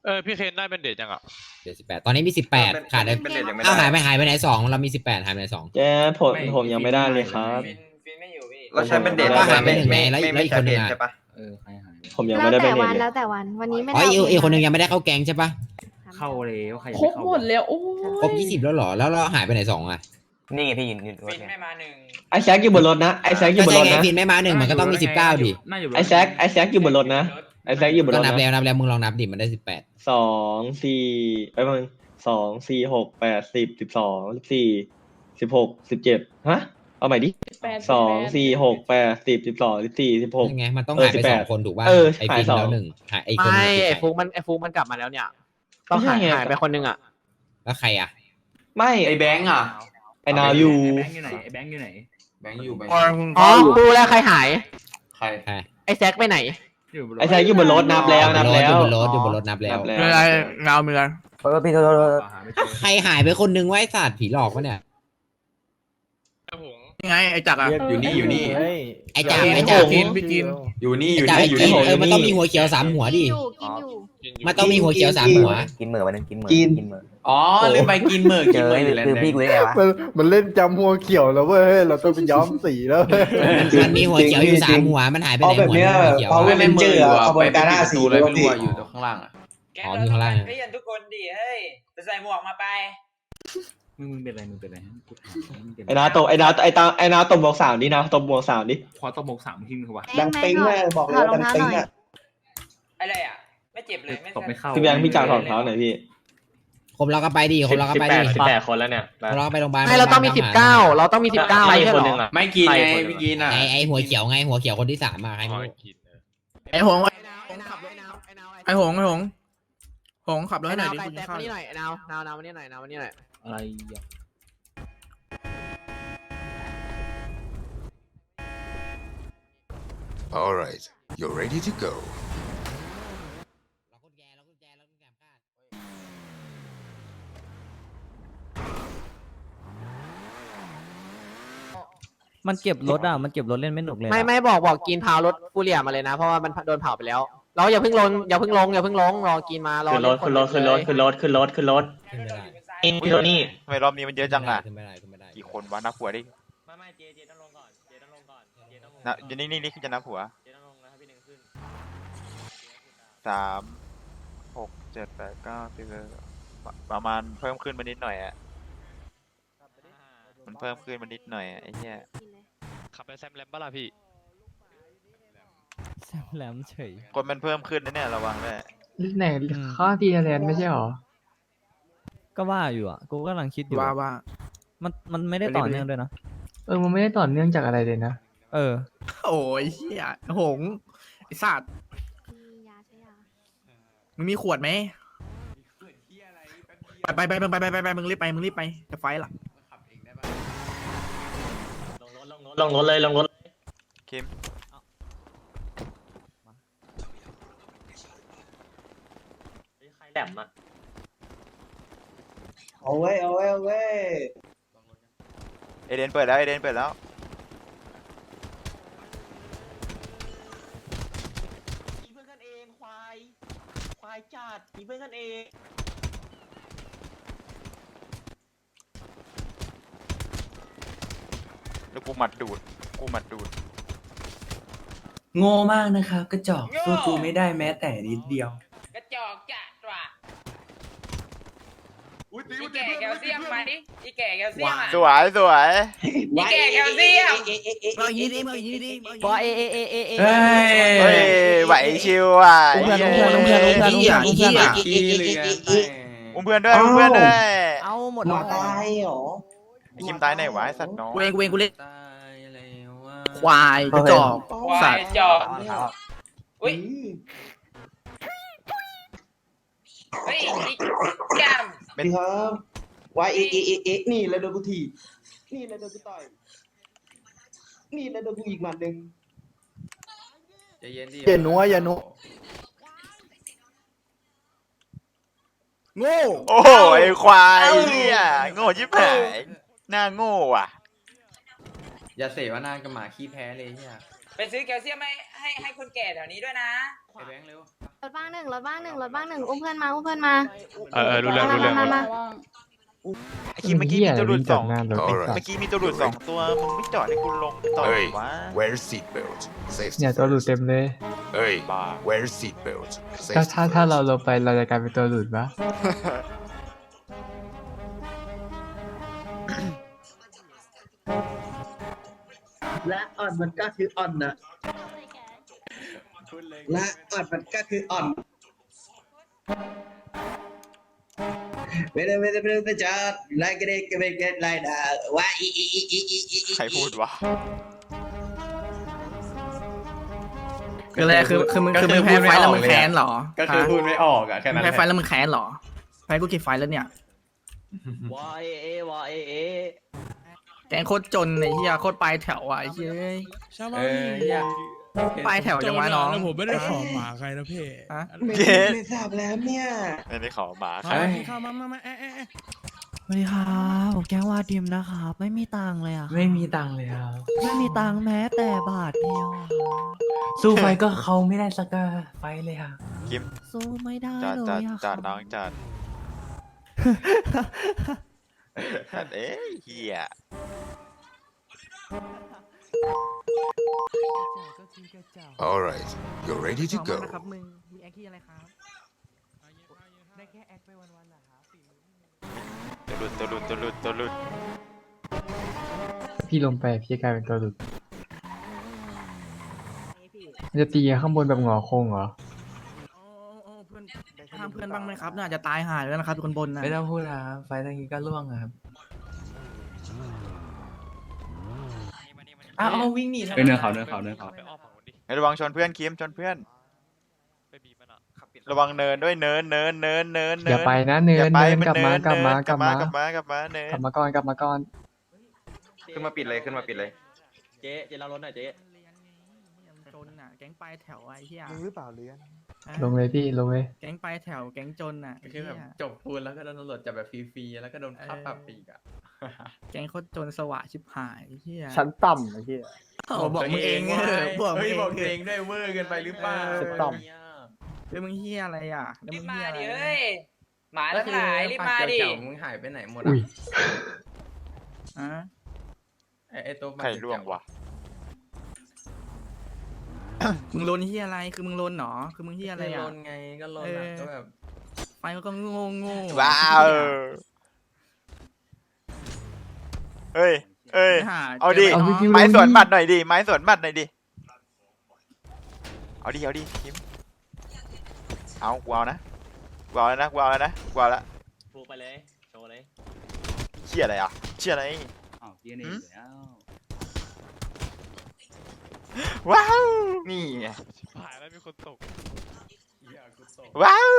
พี่เคนได้เป็นเดทยังอ่ะเดี๋ยว18ตอนนี้มี18ขาดเลยเป็นเด็กยังไม่ได้อ้าวหายไปไหน2เรามี18หายไปไหน2 แกผมยังไม่ได้เลยครับฟินไม่อยู่พี่เราใช้เป็นเด็กก็หายไปหนึ่งไงแล้วไม่อีกใช่คนหนึ่เด็งกอะใช่ปะใครหายผมยังแล้ไม่วได้ไปแต่เน็วัตนเลยแล้วแต่วันวันนี้ไม่อ๋อได้อีกคนหนึ่งยังไม่ได้เข้าแก๊งใช่ปะเข้าแล้วใครยังครบไม่เข้าหมดแล้วโอ้ครบ20แล้วเหรอแล้วเราหายไปไหน2อ่ะนี่ไงพี่ยืนฟินไม่มาหนึ่งไอแซกอยู่บนรถนะไอแซกอยู่บก็นใช่รถไงนะฟินไม่มา1มันก็ต้องมี19ดิน่าอยู่ไอแซกอยู่บนรถนะไอแซกอยู่บนก็รถนับนะแล้วมึงลองนับดิมันได้18 2 4มึง2 4 6 8 10 12 14 16 17ฮะเอาใหม่ดิ2 4 6 8 10 12 14 16 ยังไงมันต้องหายไป2คนถูกป่ะไอฟินแล้ว1หายไอคนไม่ไอ้ฟุกมันกลับมาแล้วเนี่ยต้องหายไปคนนึงอ่ะแล้วใครอ่ะไม่ไอแบงค์อ่ะไอนาวอยู่แบงค์อยู่ไหนไอ้แบงค์อยู่ไหนแบงค์อยู่ไปอ๋อรู้แล้วใครหายใครไอ้แซกไปไหนไอแซกอยู่บนรถนับแล้วนับแล้วอยู่บนรถนับแล้วเงาเมืองพี่โทษหาไม่เจอใครหายไปคนนึงไว้ศาสตร์ผีหลอกวะเนี่ยไงไอ้จักรอ่ะอยู่นี่อยู่นี่ไอจ่าพี่กินอยู่นี่อยู่จ่านี่อยู่นี่มันต้องมีหัวเขียว3หัวดิกินอยู่มันต้องมีหัวเขียว3หัวกินเหมือวันนึงกินเหมืออ๋อลืมไปกินหมึกกินหมึกอยู่แล้วคือพี่กูได้ไงวะมันเล่นจำหัวเขียวแล้วเว้ยเราต้องไปย้อมสีแล้วมันมีหัวเขียวอยู่3หัวมันหายไปไหนหัวเขียวไม่ไม่มืออยู่อ่ะไปการ่าสีเลยไม่รู้อ่ะอยู่ตรงข้างล่างอ่ะอ๋อมีข้างล่างเรียนทุกคนดิเฮ้ยไปใส่หมวกมาไปมึงเป็นอะไรกูถามมึงเป็นไอนาตบไอนาตบบวก3ดินะตบบวก3ดิพอต้องมก3ทิ้งเขาวะดังปิ๊งเลยบอกเลยดังปิ๊งอ่ะอะไรอ่ะไม่เจ็บเลยไม่ตบไม่เข้าพี่แบงค์พี่จ่าถอดรองเท้าหน่อยพี่คนเราก็ไปดิคนเราก็ไปดิ 18คนแล้วเนี่ยคนเราก็ไปโรงพยาบาลไม่เราต้องมี19เราต้องมี19ไม่ใช่หรอไม่กินไงไม่กินอ่ะไอหัวเขียวไงหัวเขียวคนที่3ใครไม่รู้ไอ้หงไอ้หงขับรถให้หน่อยดิแต่มานี่หน่อยนาวมานี่หน่อยมานี่หน่อยอะไรอ่ะ All right, you're ready to go. มันเก็บรถอ่ะมันเก็บรถเล่นไม่หนุกเลยไม่บอกกินพาวรถฟูเรียมาเลยนะเพราะว่ามันโดนเผาไปแล้วเราอย่าเพิ่งลงรอกินมารอขึ้นรถขึ้นไม่ได้พี่โทนี่ทำไมรอบนี้มันเยอะจังอ่ะขึ้นไม่ได้กี่คนวะนับหัวดิไม่เจต้องลงก่อนเจต้องลงก่อนนะนี่คือจะนับหัวเจต้องลงนะครับพี่หนึ่งขึ้น 3 6 7 8 9 10ประมาณเพิ่มขึ้นมานิดหน่อยอ่ะมันเพิ่มขึ้นมานิดหน่อยไอ้เหี้ยขับไปแซมแลมบ้าล่ะพี่แซมแหลมเฉยคนมันเพิ่มขึ้นนะเนี่ยระวังด้วยไหนข้อทีแลนด์ไม่ใช่หรอก็ว่าอยู่อ่ะกูกำลังคิดอยู่ว่ามันไม่ได้ต่อเนื่องด้วยนะมันไม่ได้ต่อเนื่องจากอะไรเลยนะเออโอ้ยเหี้ยหงไอ้สัตว์ยาใช่ยามึงมีขวดไหมไปมึงรีบไปจะไฟหลังลงรถเลยคิมใครแหลมอ่ะเอาไว้เอเดนเปิดแล้วมีเพื่อนกันเองควายจัดมีเพื่อนกันเองแล้วกูหมัดดูดโง่มากนะครับกระจอกสู้กูไม่ได้แม้แต่นิดเดียวกระจอกจัดว่ะอีแก่แคลเซียมมาดิอีแก่แคลเซียมอ่ะสวยอีแก่แคลเซียมบอกยีดีบอกเอเฮ้เฮ้ยไหวชิวอ่ะอุ้มเพื่อนอุ้มเพื่อนอุ้มเพื่อนอุ้มเพื่อนอุ้มเพื่อนขี้เหลืออุ้มเพื่อนด้วยเอาหมดมาตายเหรอไอ้คิมตายไหนวะไอ้สัตว์น้องกูเองกูเล่นตายแล้วว่าควายกระจอกสัตว์จอกอุ้ยเฮ้ยอีแก้มดีครับว่าเอ๊ะนี่แล้วโดนกูถีบนี่แล้วโดนกูต่อยนี่แล้วโดนกูอีกหมัดหนึ่งใจเย็นดิอย่านัวอย่านัวโง่โอ้โหไอ้ควายเนี่ยโง่ชิบหายหน้าโง่อ่ะอย่าเสวนากับหมาขี้แพ้เลยเฮียไปซื้อแคลเซียมให้คนแก่แถวนี้ด้วยนะไอ้แบงค์เร็วรถบ้างหนึ่งรถบ้างหนึ่งรถบ้างหนึ่งอุ้มเพื่อนมาอุ้มเพื่อนมารู้เรื่องรู้เรื่องมาไอ้คิมเมื่อกี้มีตัวหลุดสองวิ่งจากหน้ารถเมื่อกี้มีตัวหลุดสองตัวมึงไม่จอดให้กูลงต่อ Hey, วะ wear seatbelt. Safety เนี่ยตัวหลุด first. เต็มเลย Hey, Bah. wear seatbelt. ถ้า Safety ถ้า first. เราลงไปเราจะกลายเป็นตัวหลุดปะและอ่อนมันก็คืออ่อนนะและอ่อนมันก็คืออ่อนไม่ได้จอดไล่ก็ได้ก็ไม่ได้ไล่ด่าว่าอีใครพูดวะคืออะไรคือมึงแพ้ไฟแล้วมึงแค้นเหรอก็คือพูดไม่ออกอะแค่นั้นแพ้ไฟแล้วมึงแค้นเหรอแพ้กูกี่ไฟแล้วเนี่ยวาเอแกงโคตรจนไอ้เหี้ยโคตรปลายแถวอ่ะไอ้เหี้ยปลายแถวจังวะน้องผมไม่ได้ขอหมาใครนะพี่ฮะไม่ทราบแล้วเนี่ยไม่ได้ขอหมาใครสวัสดีครับผมแก้งว่าดิมนะครับไม่มีตังค์เลยอ่ะไม่มีตังค์เลยครับไม่มีตังค์แม้แต่บาทเดียวอะสู้ไฟก็เขาไม่ได้สักไฟเลยครับคิมสู้ไม่ได้จอดเลจอดยอะจอดน้องจอดเอ้ยเฮีย All right, you're ready to ขอบคุณ go. นะครับมึงมีแอคที่อะไรครับได้แค่แอคไปวันๆเหรอครับตัวหลุดพี่ลงไปพี่กลายเป็นตัวหลุดมันจะตีข้างบนแบบหงอโค้งเหรอโอ้เพื่อนห้ามเพื่อนบ้างไหมครับน่าจะตายหายแล้วนะครับคนบนนะไม่ต้องพูดครับไฟตรงนี้ก็ล่วงครับอ้าววิ่งหนีทำไมเนินเขาให้ระวังชนเพื่อนคิมชนเพื่อนระวังเนินด้วยเนินอย่าไปนะเนิอย่าน ไปเนินมันกลับเนิมาน กลับมากลับมาเนินกลับมาเนินกลับมาก่อนกลับมาก่อนขึ้นมาปิดเลยเจ๊เรารถหน่อยเจ๊จนอ่ะแก๊งปลายแถวไอ้เหี้ยมึงหรือเปล่าเลี้ยนลงเลยพี่ลงเลยแก๊งปลายแถวแก๊งจนอ่ะคือแบบจบปูนแล้วก็โดนตำรวจจับแบบฟรีๆแล้วก็โดนค่าปรับอีกอะแก๊งโคตรจนสวะชิบหายไอ้เหี้ยชั้นต่ำไอ้เหี้ยบอกมึงเองบอกมึงบอกเอเอง งด้วยเวอร์เกินไปหรือเปล่าสุดต่แล้วมึงเหี้ยอะไรอ่ะแล้วมึงเหี้ยอะไรหมาทั้งหลายรีบมาดิมึงหายไปไหนหมดอุ้ยอ่ะไอตัวใครล่วงวะมึงลนเหี้ยอะไรคือมึงลนหนอคือมึงเหี้ยอะไรลอ่ะนไงก็ลนก็แบบไฟมันก็โง่ว้าวเฮ้ยเอาดิเอาพี่ไม้สวนหมัดหน่อยดิไม้สวนหมัดหน่อยดิเอาดิคิมเอากูเอานะกูเอาแล้วนะฟูไปเลยโชว์เลยเชี่ยอะไรอ่ะเชี่ยอะไรอ้าวเฮียนี่แล้วว้าวนี่ไงว้าว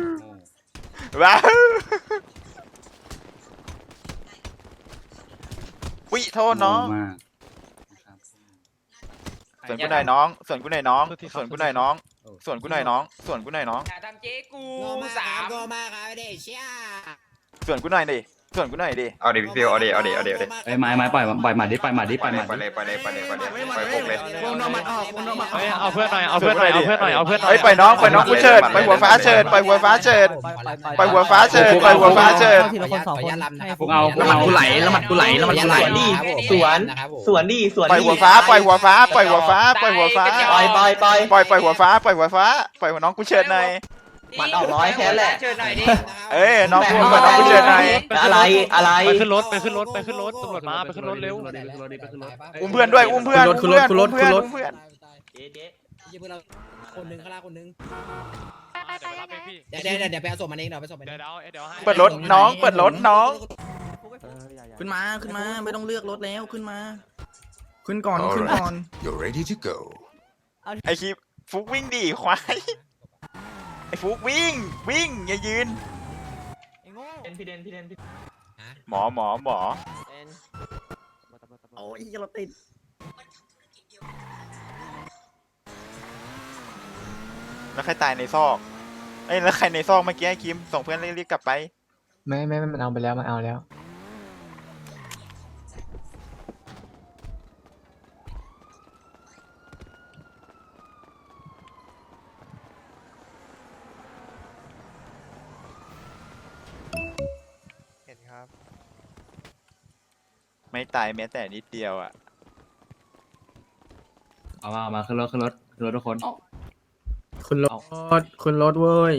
วิโทษน้องมากนะครับส่วนกูหน่อยน้องส่วนกูหน่อยน้องส่วนกูหน่อยน้องส่วนกูหน่อยน้องส่วนกูหน่อยน้องอย่าทำเจ๊กูโง่มากครับโง่มากครับเด็กเชี่ยส่วนกูหน่อยดิส่วนกูหน่อยดิเอาดิพี่ฟิวเอาดิไอ้ไม้ปล่อยหมัดดิปล่อยหมัดดิไปเลยพกเลยวงนอมัดออกวงนอมัดออกเอาเพื่อนหน่อยเฮ้ยปล่อยน้องกูเชิดปล่อยหัวฟ้าเชิดปล่อยหัวฟ้าเชิด ปล่อยหัวฟ้าเชิดทีละคนสองคนพวกเอาแล้วมันกูไหลแล้วมันกูไหลสวนสวนดิสวนปล่อยหัวฟ้าปล่อยหัวฟ้าปล่อยหัวฟ้าปล่อยหัวฟ้าปล่อยปล่อยหัวฟ้าปล่อยหัวฟ้าปล่อยหัวน้องกูเชิดหน่อยมันออกร้อยแค่แหละเอ้ยน้องกูปล่อยน้องกูเชิดหน่อยอะไรไปขึ้นรถตำรวจมาไปขึ้นรถเร็วอุ้มเพื่อนด้วยอุ้มเพื่อนขึ้นรถเพื่อนเจ๊ยี่เพื่อนเราคนหนึ่งข้างล่างคนหนึ่งเดี๋ยวไปเอาศพมันเองเดี๋ยวไปศพมันเองเปิดรถน้องเปิดรถน้องขึ้นมาไม่ต้องเลือกรถแล้วขึ้นมาขึ้นก่อน All ขึ้นก่อน right, you're ready to go. ไอคลิปฟุกวิ่งดิควายไอฟุกวิ่งอย่ายืนพี่เดนหมอโอ้ยเราติดแล้วใครตายในซอกเอ้ยแล้วใครในซอกเมื่อกี้ไอ้คิมส่งเพื่อนรีบกลับไปไม่มันเอาไปแล้วมันเอาแล้วไม่ตายแม้แต่นิดเดียวอ่ะเอามาขึ้นรถทุกคนคุณรถคุณรถเว้ย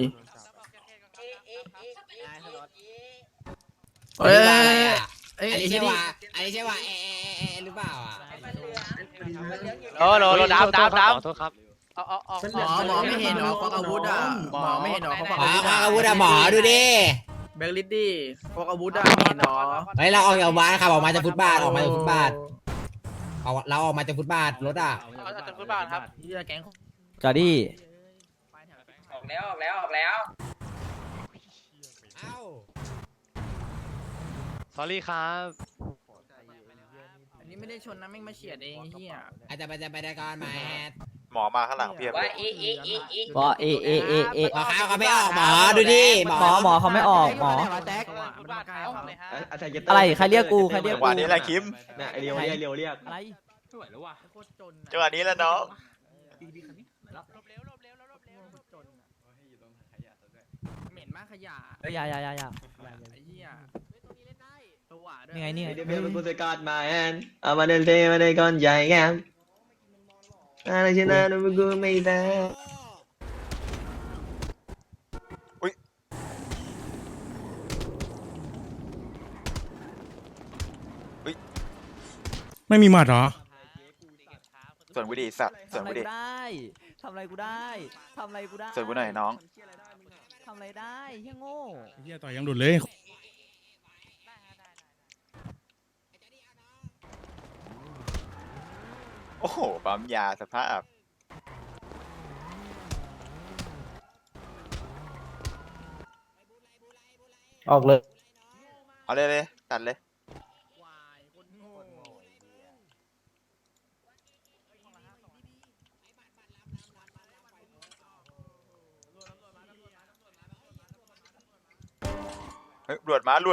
เอ้ยอันนี้ใช่ว่าหรือเปล่าอ่ะโอ้โหดับขอโทษครับหมอไม่เห็นหรอพกอาวุธอ่ะหมอไม่เห็นหรอเขาพกอาวุธอะหมอดูดิแบงค์ลิดดี้พกอาวุธอ่ะไม่เห็นหรอเฮ้ยเราออกจากบ้านขับออกมาจากฟุตบาทออกมาจากฟุตบาทเราออกมาจากฟุตบาทรถอ่ะเฮียแก๊งจอดี้ออกแล้วสอรี่ครับอันนี้ไม่ได้ชนนะแม่งมาเฉียดเองเฮียอาจจะไปได้ก่อนมาหมอมาข้างหลังเพียบเลยบอเอหมอเขาไม่ออกหมอดูดิหมอเขาไม่ออกหมอ อะไรใครเรียกกูใครเรียกจังกูหวะนี้แหละคิมเนี่ยไอเรียวเรียกอะไรไม่ไหวแล้วว่ะโคตรจนจังหวะนี้แหละน้องเหม็นมากขยะอย่าไอ้เหี้ยตัวด้วยนี่ไงนี่ไงเดี๋ยวเป็นผู้จัดการมาแอนเอามาเดินเทมาได้ก่อนใหญ่แกมอะไรชนะนูกูไม่ได้ไม่มีหมัดเหรอส่วนกูดีสัตว์ส่วนทำอะไรกูดีกูได้ทำอะไรกูได้ทำอะไรกูได้ส่วนกูหน่อยน้องทำอะไรได้เฮียโง่เฮียต่อยยังดุดเลยโอ้โหปั๊มยาสภาพออกเลยเอาเลยตัดเลยควายคนโง่เฮ้ยลวดมา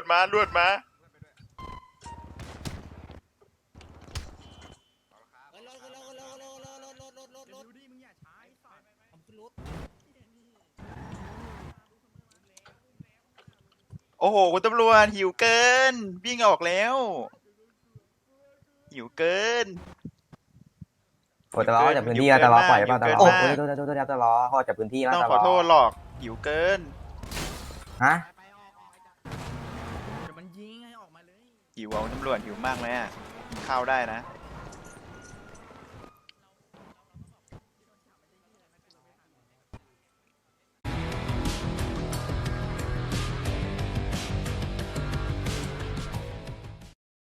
โอ้โหคุณตำรวจหิวเกินวิ่งออกแล้วหิวเกินโอ้แต่ล้อจากพื้นที่แต่ล้อปล่อยป่ะแต่ล้อโอ้โอ้ยโทษแต่ล้อเขาจากพื้นที่นะต้องแต่ขล้ออโทษหรอกหิวเกินฮะเดี๋ยวมันยิงให้ออกมาเลยหิวเอาตำรวจหิวมากเลยอ่ะกินข้าวได้นะ